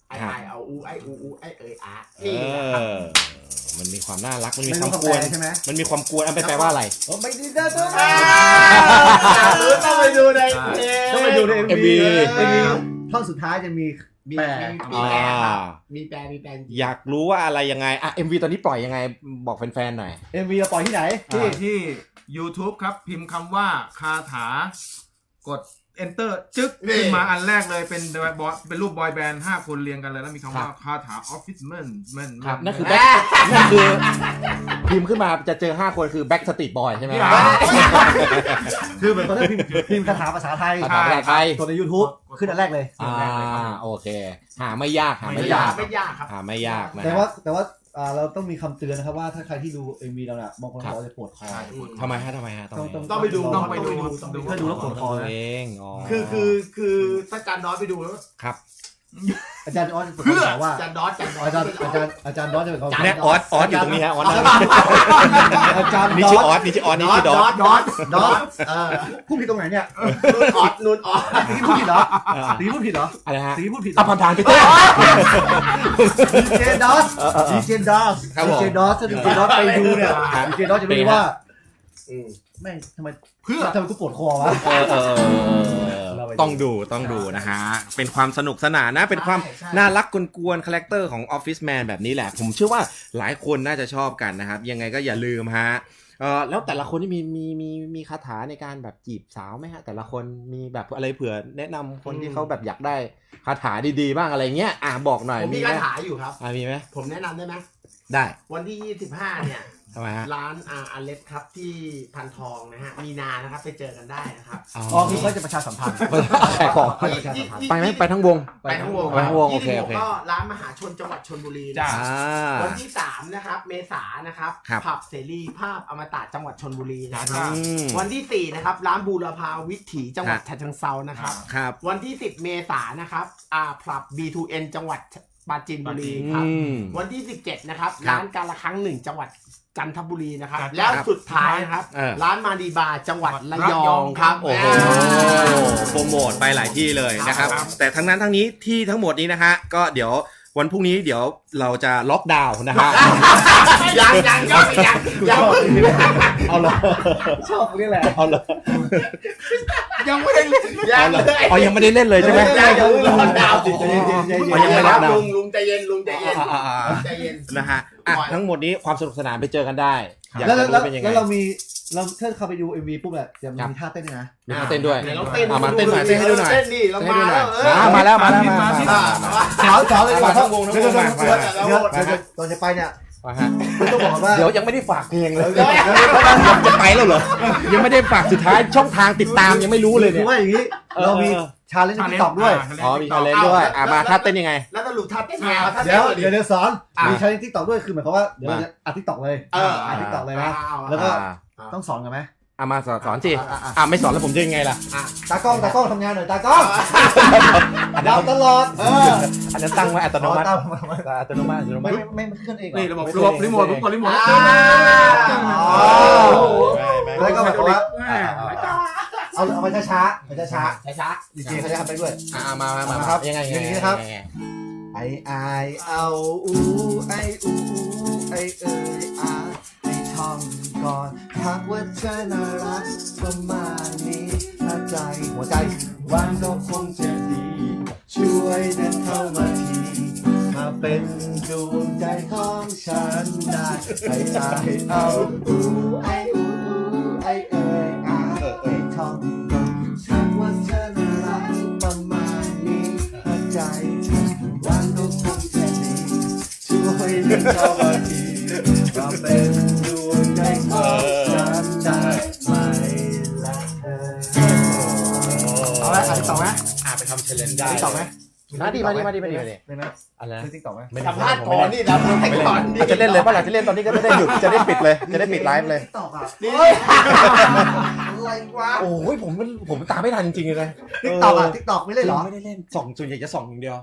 [SPEAKER 5] ไอไอเอาอูไออูอูไอเอยอา
[SPEAKER 1] เอ
[SPEAKER 5] นี่นะครับ
[SPEAKER 1] อมันมีความน่ารักมันมี
[SPEAKER 2] ไม่
[SPEAKER 1] ควา
[SPEAKER 2] รู้
[SPEAKER 1] ม
[SPEAKER 2] คำ
[SPEAKER 1] ก
[SPEAKER 2] แป
[SPEAKER 1] วน
[SPEAKER 2] ลใช่ไหม
[SPEAKER 1] มันมีความกวนอันไปแปลว่าอะไร
[SPEAKER 2] โอ้ไม่ดีนะตัว
[SPEAKER 5] ต้องไปดูในเพลง
[SPEAKER 2] ต้องไปดูใน
[SPEAKER 1] เอ็มวี
[SPEAKER 2] เอ็มวีท่อนสุดท้ายจะมี
[SPEAKER 5] มี
[SPEAKER 2] แปล
[SPEAKER 5] มีแปลครับ
[SPEAKER 1] อ่า
[SPEAKER 5] มีแปลมีแปลจริง
[SPEAKER 1] อยากรู้ว่าอะไรยังไงอ่ะ เอ็ม วี ตอนนี้ปล่อยยังไงบอกแฟนๆหน่อย
[SPEAKER 2] เอ็มวีเราปล่อยที่ไหน
[SPEAKER 4] ที่ที่ YouTube ครับ พิมพ์คำว่าคาถากด enter จึ๊กขึ้นมาอันแรกเลยเป็นบอยเป็นรูปบอยแบนด์ห้าคนเรียงกันเลยแล้วมีคำว่าคาถาออฟฟิศแมนแมน
[SPEAKER 1] ครับนั่นคือแบ็คนั่นคือพิมพ์ขึ้นมาจะเจอห้าคนคือแบ็คสตรีทบอยใช่ไหม
[SPEAKER 2] คือเหมือนตอนที่พิมพ์พิมพ์คาถาภาษาไทย
[SPEAKER 1] ภาษาไทย
[SPEAKER 2] ตัวใน YouTube ขึ้นอันแรกเลย
[SPEAKER 1] อ่าโอเค หาไม่ยากหา
[SPEAKER 5] ๆ
[SPEAKER 1] ไม่
[SPEAKER 5] ไม่
[SPEAKER 1] ยาย
[SPEAKER 5] าก กไม่ยากครับ
[SPEAKER 1] หาไม่ยากนะ
[SPEAKER 2] แต่ว่าแต่ว่าอ่าเราต้องมีคำเตือนนะครับว่าถ้าใครที่ดู เอ็ม วี เราเนี่ยบางคนบอกว่าจะปวดคอ
[SPEAKER 1] ทำไมฮะทำไมฮะทำไม
[SPEAKER 2] ต้อง
[SPEAKER 5] ต้องไปดู
[SPEAKER 2] ต้องไปดู
[SPEAKER 5] ต้องไปดู
[SPEAKER 2] ถ้าดูแล้วปวดคอ
[SPEAKER 1] ตัว
[SPEAKER 2] นะ
[SPEAKER 1] เองอ๋อ
[SPEAKER 5] คือคือคือถ้าจานดอสไปดูแล้ว
[SPEAKER 1] ครับ
[SPEAKER 2] อาจารย์ออสจะบอกว่า
[SPEAKER 5] จานดอสจานดอส
[SPEAKER 2] อาจารย์อาจารย์อาจารย์ดอสจะเป็นคน
[SPEAKER 1] เนี่ยออสออสอยู่ตรงนี้ฮะออสนะ
[SPEAKER 2] อาจารย์
[SPEAKER 1] นี่
[SPEAKER 2] ด
[SPEAKER 1] ชื่อ
[SPEAKER 2] อ
[SPEAKER 1] ออ
[SPEAKER 2] ส
[SPEAKER 1] สนี่ชื่อออส
[SPEAKER 5] ด
[SPEAKER 1] นี่
[SPEAKER 5] อส
[SPEAKER 1] ชื่อด
[SPEAKER 5] ด
[SPEAKER 1] อ
[SPEAKER 5] อ
[SPEAKER 1] ส
[SPEAKER 5] สดอสดอสเออ
[SPEAKER 2] พูดผิดตรงไหนเนี่ย
[SPEAKER 5] นูนออสนูนออส
[SPEAKER 2] ตีพูดผิดเหรอตีพูดผิดเหรอ
[SPEAKER 1] อะไรฮะ
[SPEAKER 2] ตีพูดผิด
[SPEAKER 1] อ่ะผ่านทางไปเต้
[SPEAKER 2] ดีเจดอสดีเจดอส
[SPEAKER 1] ครับผม
[SPEAKER 2] ดีเจดอสถ้าดีเจดอสไปดูเนี่ยดีเจดอสจะรู้ว่า
[SPEAKER 5] อืม
[SPEAKER 2] แม่งทำไม
[SPEAKER 4] เพื่อ
[SPEAKER 2] ทำไมกูปวดคอวะ
[SPEAKER 1] เออเออเออต้องดูต้องดูนะฮะ เป็นความสนุกสนานนะ เป็นความ
[SPEAKER 5] ใช่ใช่
[SPEAKER 1] น่ารักกวนๆคาแรคเตอร์ของ Office Man แบบนี้แหละ ผมเชื่อว่าหลายคนน่าจะชอบกันนะครับ ยังไงก็อย่าลืมฮะเออแล้วแต่ละคนนี่มีมีมีมีคาถาในการแบบจีบสาวไหมฮะ แต่ละคนมีแบบอะไรเผื่อแนะนำคนที่เขาแบบอยากได้คาถาดีๆบ้างอะไรเงี้ยอ่ะบอกหน่อย
[SPEAKER 5] ผมมี
[SPEAKER 1] ไหม
[SPEAKER 5] คาถาอยู่ครับ
[SPEAKER 1] อ่ะมีไหม
[SPEAKER 5] ผมแนะนำได้ไหม
[SPEAKER 1] ได้
[SPEAKER 5] วันที่ยี่สิบห้าเนี่ย
[SPEAKER 1] ทำไมฮะ
[SPEAKER 5] ร้านอาอเลสครับที่พันทองนะฮะ มีนานะครับไปเจอกันได้นะครับ
[SPEAKER 2] อ๋อคือเขาจะประชาสัมพันธ์
[SPEAKER 1] ขายของ
[SPEAKER 2] เขาจะประชาสัมพันธ์
[SPEAKER 1] ไปไหมไปทั้งวง
[SPEAKER 5] ไปทั้งวง
[SPEAKER 1] ไปทั้งวงโอเค
[SPEAKER 5] ยี่สิบห
[SPEAKER 1] โอก เค
[SPEAKER 5] ก็ร้านมหาชนจังหวัดชลบุรีนะ
[SPEAKER 4] จ้า
[SPEAKER 1] อ่า
[SPEAKER 5] วันที่สามนะครับเมษายนนะครับ
[SPEAKER 1] ครับ
[SPEAKER 5] ผับเสรีภาพอมตะจังหวัดชลบุรีนะค
[SPEAKER 4] ครั
[SPEAKER 5] รับ
[SPEAKER 4] บ
[SPEAKER 1] อืม
[SPEAKER 5] วันที่สี่นะครับร้านบูรพาวิถีจังหวัด
[SPEAKER 1] ครับ
[SPEAKER 5] ฉะเชิงเทรานะครับ
[SPEAKER 1] ครับ
[SPEAKER 5] วันที่สิบเมษายนนะครับอ่าผับ บี ทู เอ็น จังหวัดปราจีนบุรีครับ
[SPEAKER 1] อืม
[SPEAKER 5] วันที่สิบเจ็ดนะครับ
[SPEAKER 1] ครับ
[SPEAKER 5] ร้านการละครั้งหนึ่งจังหวัดจันทบุรีนะครับ
[SPEAKER 4] ครับ
[SPEAKER 5] แล้วสุดท้ายนะครับ
[SPEAKER 1] เออ
[SPEAKER 5] ร้านมาดีบาร์จังหวัดระย
[SPEAKER 4] ระย
[SPEAKER 5] อ
[SPEAKER 4] อง ง
[SPEAKER 5] ครับ
[SPEAKER 1] โอ้โหโปรโมทไปหลายที่เลยนะครับ
[SPEAKER 4] ครับ
[SPEAKER 1] แต่ทั้งนั้นทั้งนี้ที่ทั้งหมดนี้นะฮะก็เดี๋ยววันพรุ่งนี้เดี๋ยวเราจะล็อกดาวน์นะฮะ
[SPEAKER 5] ยังยังยังยังยัง
[SPEAKER 1] เอาเลย
[SPEAKER 2] ชอบนี่แหละ
[SPEAKER 1] เอาเลย
[SPEAKER 4] ยังไม่ได้
[SPEAKER 5] ยั
[SPEAKER 1] เอา
[SPEAKER 5] ง
[SPEAKER 1] เลย
[SPEAKER 5] เลย
[SPEAKER 1] เอายังไม่ได้เล่นเลยใช่ไหม
[SPEAKER 5] ยังยังรอดาวสิ
[SPEAKER 2] ใจเย็นใจเย็นใจ
[SPEAKER 1] อ๋อ
[SPEAKER 2] เย็
[SPEAKER 1] ยัง
[SPEAKER 2] น
[SPEAKER 1] ไม่ล็อกดาวน์
[SPEAKER 5] ลุงลุงใจเย็นลุงใจเย็น
[SPEAKER 1] อ่าอ่าอ่า
[SPEAKER 5] ใจเย็น
[SPEAKER 1] นะฮะอ่ะทั้งหมดนี้ความสนุกสนานไปเจอกันได้อยาก
[SPEAKER 2] แล้ว
[SPEAKER 1] จะ
[SPEAKER 2] แล้ว
[SPEAKER 1] รู้เป็นยังไง
[SPEAKER 2] แล้วเรามีเราถ้าเข้าไปดู เอ็ม วี ปุ๊บอะจะ
[SPEAKER 1] ครับ
[SPEAKER 2] มีท่าเต้นด้วยนะ
[SPEAKER 1] มีท่าเต้นด้วย
[SPEAKER 5] เดี๋ยวเราเต้น
[SPEAKER 1] อ่ะมาเต้นหน่อยเต้นให้ดูหน่อย
[SPEAKER 5] เต้นดิเรา
[SPEAKER 1] เต้นให้
[SPEAKER 5] มา
[SPEAKER 1] ดูหน่
[SPEAKER 5] แล้
[SPEAKER 1] อยว
[SPEAKER 5] เออ
[SPEAKER 1] อ่ะมาแล้วมาแล้วมามา
[SPEAKER 4] มา
[SPEAKER 1] มา
[SPEAKER 5] อ่ะ
[SPEAKER 1] มา
[SPEAKER 2] สาวสาวเลยดีกว่า
[SPEAKER 1] ทั้งวงทั้งวง
[SPEAKER 2] เดี๋ยวเดี๋ยว
[SPEAKER 1] มา
[SPEAKER 2] เดี๋ยว
[SPEAKER 1] มา
[SPEAKER 2] เดี๋ยวเดี๋ยวก่อนจะไปเนี่ย
[SPEAKER 1] มาฮะ
[SPEAKER 2] ไม่ต้องบอกว่า
[SPEAKER 1] เดี๋ยวยังไม่ได้ฝากเพลงเลย
[SPEAKER 2] เดี๋ยวเดี๋ยว
[SPEAKER 1] จะไปแล้วเหรอ ยังไม่ได้ฝากสุดท้ายช่องทางติดตามยังไม่รู้เลย
[SPEAKER 2] คื
[SPEAKER 1] เนี่
[SPEAKER 2] อย ว่าอย่างนี้
[SPEAKER 1] เออ
[SPEAKER 2] เรามีชาเลนจ์ติ๊กต็อกด้วย
[SPEAKER 1] อ๋อมีชาเลนจ์ด้วยอ่ะมาท่าเต้นยังไง
[SPEAKER 5] แล้วสรุปท่าเต้นไงเอาท่า
[SPEAKER 2] เดี๋
[SPEAKER 5] เต้
[SPEAKER 2] ย
[SPEAKER 5] น
[SPEAKER 2] ว
[SPEAKER 5] ก่อนดิ
[SPEAKER 2] เดี๋ยวเดี๋ยวสอน
[SPEAKER 5] อ่ะ
[SPEAKER 2] มีชาเลนจ์ติ๊กต็อกด้วยคือหมายความว่าเดี๋ยวเรา
[SPEAKER 1] มา
[SPEAKER 2] จะอัดติ๊กต็อกเลย
[SPEAKER 5] เออ
[SPEAKER 2] อัดติ๊กต็อกเลยนะ
[SPEAKER 5] เอา
[SPEAKER 2] แล้วก็
[SPEAKER 1] อ่า
[SPEAKER 2] ต้องสอนกันไหม
[SPEAKER 1] อ่ะมาสอนสอนสิ
[SPEAKER 2] อ่ะอ่ะอ่ะ
[SPEAKER 1] อ่ะไม่สอนแล้วผมจะยังไงล่ะ
[SPEAKER 5] อ่ะ
[SPEAKER 2] ตากล้องตากล้องทำงานหน่อยตากล้อง
[SPEAKER 1] อันนั้
[SPEAKER 2] เรา
[SPEAKER 1] น
[SPEAKER 2] ตลอดเออ
[SPEAKER 1] อันนั้นตั้งไว้อัตโนมัติ
[SPEAKER 2] ตามมามา
[SPEAKER 1] อัตโนมัติอัตโนมั
[SPEAKER 2] ไม่
[SPEAKER 1] ติ
[SPEAKER 2] ไม่ไม่ขึ้นเองเหอ
[SPEAKER 4] นี่ระบบ
[SPEAKER 2] ไม่
[SPEAKER 4] ระบบ
[SPEAKER 2] ขึ้นเอง
[SPEAKER 4] รีโมทผมกดรีโมท
[SPEAKER 5] อ่า
[SPEAKER 2] อ๋อ
[SPEAKER 1] ไม่ไม่
[SPEAKER 2] แล้วก็หมายความว่า
[SPEAKER 4] แม่
[SPEAKER 2] เอาเอาไปช้าๆไปช้า
[SPEAKER 5] ช้าช้า
[SPEAKER 2] ๆดีเจเขาจะทำไปด้วย
[SPEAKER 1] อ่ะมามามา
[SPEAKER 2] ครับ
[SPEAKER 1] ยังไง
[SPEAKER 2] อย่างนี้นะครับ ไอไอเอาอูไออูไอเอยอาไอท่องก่อนทักว่าเธอน่ารักประมาณนี้ถ้าใจหัวใจวันก็คงจะดี ช่วยเดินเข้ามาทีมาเป็นดวงใจของฉันได้ไอไอเอาอูไออูไอเอยอาไอท่องก่อนทักว่าเธอน่ารักประมาณนี้ถ้าใจวันก็คงจะดีช่วยเดินเข้ามาทีมาเป็นดวงใจของฉันได้ไหมล่ะเธอเอาไหมอ่านต่อไหม
[SPEAKER 1] อ่ะไปทำเชลเลนได้
[SPEAKER 2] ติ๊กต็อกไหม
[SPEAKER 1] มาดิมาดิมาดิมาดิมาดิ
[SPEAKER 2] ได้ไหม
[SPEAKER 1] อะไรนะ
[SPEAKER 2] ได้ติ๊กต็อกไหม
[SPEAKER 1] ไม่ได้
[SPEAKER 5] สัมภาษณ์ก่อนนี่นะสัมภาษณ์ก่อนดิ
[SPEAKER 1] จะเล่นเลยป่ะล่ะจะเล่นตอนนี้ก็จะได้หยุดจะได้ปิดเลยจะได้ปิดไลฟ์เลย
[SPEAKER 2] ติ๊กต็อกอ่ะ
[SPEAKER 5] นี่อะไรวะ
[SPEAKER 1] โอ้ยผมมันผมตามไม่ทันจริงๆเลยนะ
[SPEAKER 2] ติ๊กต็อกอ่ะติ๊กต็อกไม่เล่นเหรอ
[SPEAKER 1] ไม่ได้เล่นส่องส่วนใหญ่จะส่องอย่างเดียว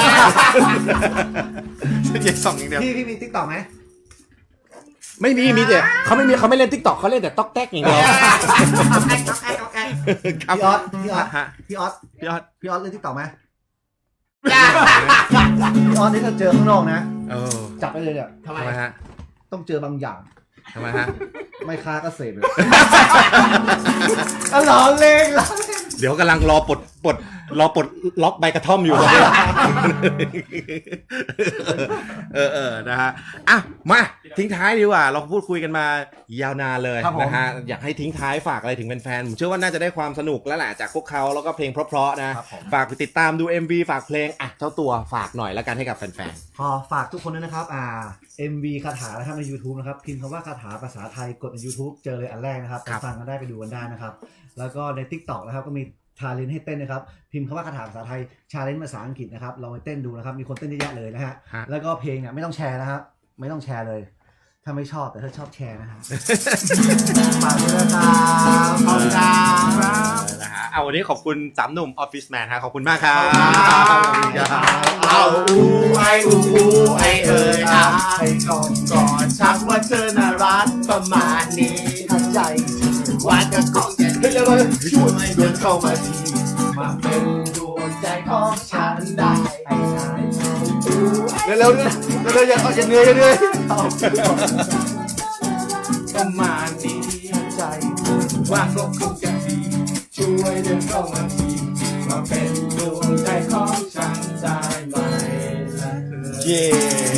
[SPEAKER 1] ส่วนใหญ่ส่องอย่างเดียว
[SPEAKER 2] พี่พี่มีติ๊กต็อกไหม
[SPEAKER 1] ไม่มีมีแต่เขาไม่มีเขาไม่เล่นทิกตอกเขาเล่นแต่ต๊อกแต๊กอย่างเดียวครับ
[SPEAKER 2] พี่ออสพี่ออส
[SPEAKER 1] ฮะ
[SPEAKER 2] พี่ออส
[SPEAKER 1] พี่ออส
[SPEAKER 2] พี่ออสเล่นติ๊กต็อกไหมพี่ออสนี่ถ้าเจอข้างนอกนะ
[SPEAKER 1] เออ
[SPEAKER 2] จับไปเลยเนี่ย
[SPEAKER 5] ทำไม
[SPEAKER 1] ทำไมฮะ
[SPEAKER 2] ต้องเจอบางอย่าง
[SPEAKER 1] ทำไมฮะ
[SPEAKER 2] ไม่ค้าก็เสพเลยล้อเล่นล้อเล่น
[SPEAKER 1] เดี๋ยวกำลังรอปลดปลดรอปลดล็อกใบกระท่อมอยู่ เออเออนะฮะอ่ะมาทิ้งท้ายดีกว่า เราพูดคุยกันมายาวนานเลย
[SPEAKER 2] ครับผม
[SPEAKER 1] นะฮะอยากให้ทิ้งท้ายฝากอะไรถึงแฟนๆผมเชื่อว่าน่าจะได้ความสนุกแล้วแหละจากพวกเขาแล้วก็เพลงเพราะๆนะครับ
[SPEAKER 2] ผม
[SPEAKER 1] ฝากไปติดตามดู เอ็ม วี ฝากเพลงอ่ะเจ้าตัวฝากหน่อยแล้วกันให้กับแฟน
[SPEAKER 2] ขอฝากทุกคนด้วยนะครับอ่า เอ็ม วี คาถานะครับใน YouTube นะครับพิมพ์คำว่าคาถาภาษาไทยกดใน YouTube เจอเลยอันแรกนะครับไปฟังกันได้ไปดูกันได้นะครับแล้วก็ใน TikTok นะครับก็มีชาเลนจ์ให้เต้นนะครับพิมพ์คำว่าคาถาภาษาไทยชาเลนจ์ภาษาอังกฤษนะครับลองไปเต้นดูนะครับมีคนเต้นเยอะแยะเลยนะฮะ
[SPEAKER 1] ๆฮะ
[SPEAKER 2] แล้วก็เพลงเนี่ยไม่ต้องแชร์นะครับไม่ต้องแชร์เลย ถ้าไม่ชอบแต่ถ้าชอบแชร์นะฮะ ฝากด้วยนะครับขอบคุณครับ
[SPEAKER 1] นะฮะเอาวันนี้ขอบคุณสามหนุ่มออฟฟิศแมนฮะขอบคุณมากครับขอบคุณครับ
[SPEAKER 5] เอาอูไออูอูไอเอ่ยอาไอก่อนก่อนชักว่าเธอน่ารักประมาณนี้ถ้าใจว่าจะคงจะดีช่วยเดินเข้ามาทีมาเป็นดวงใจของฉันได้ไอ้นายอูไอ
[SPEAKER 2] เร็วๆเร็วๆเร็วๆอย่าอย่าเหนื่อยอย่าเหนื่อย
[SPEAKER 5] ประมาณนี้ใจว่าก็คงจะดีช่วยเดินเข้ามาทีมาเป็นดวงใจของฉันได้ไหมล่ะเธอ
[SPEAKER 1] เย้